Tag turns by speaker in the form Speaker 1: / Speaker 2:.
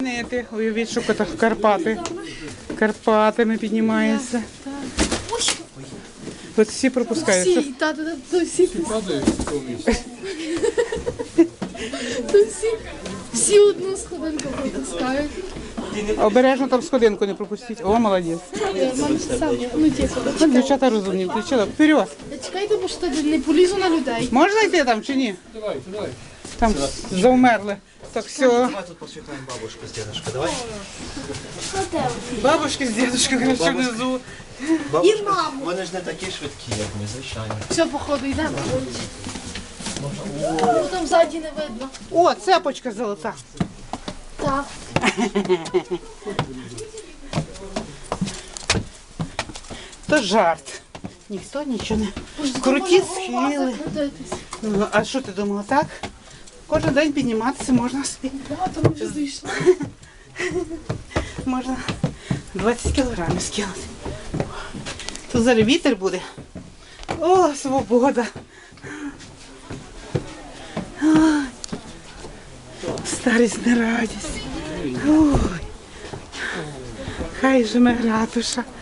Speaker 1: Уявіть, що Карпати. Карпатами піднімається. От всі пропускають.
Speaker 2: Всі одну сходинку пропускають.
Speaker 1: Обережно там сходинку не пропустіть. О, молодець. Дівчата розумні, включила. Вперед.
Speaker 2: Чекайте, бо що не полізу на людей.
Speaker 1: Можна йти там чи ні?
Speaker 3: Давай.
Speaker 1: Там завмерли. Так, все.
Speaker 4: Давай тут посвятаем бабушку с дедушкой, давай.
Speaker 1: Бабушки з дідушкою, коротше, внизу.
Speaker 4: Бабушка, вони ж не такі швидкі, як ми, звичайно.
Speaker 2: Все, походу, йдемо. Там ззаді не видно.
Speaker 1: О, цепочка золота.
Speaker 2: Так.
Speaker 1: То жарт. Ніхто нічого не... Круті схили. Ну, а що ти думала, так? Кожен день підніматися можна собі.
Speaker 2: Багато ми вже зійшли.
Speaker 1: Можна 20 кілограмів скинути. Тут зараз вітер буде. О, свобода. Ой. Старість не радість. Ой. Хай же ми ратуша.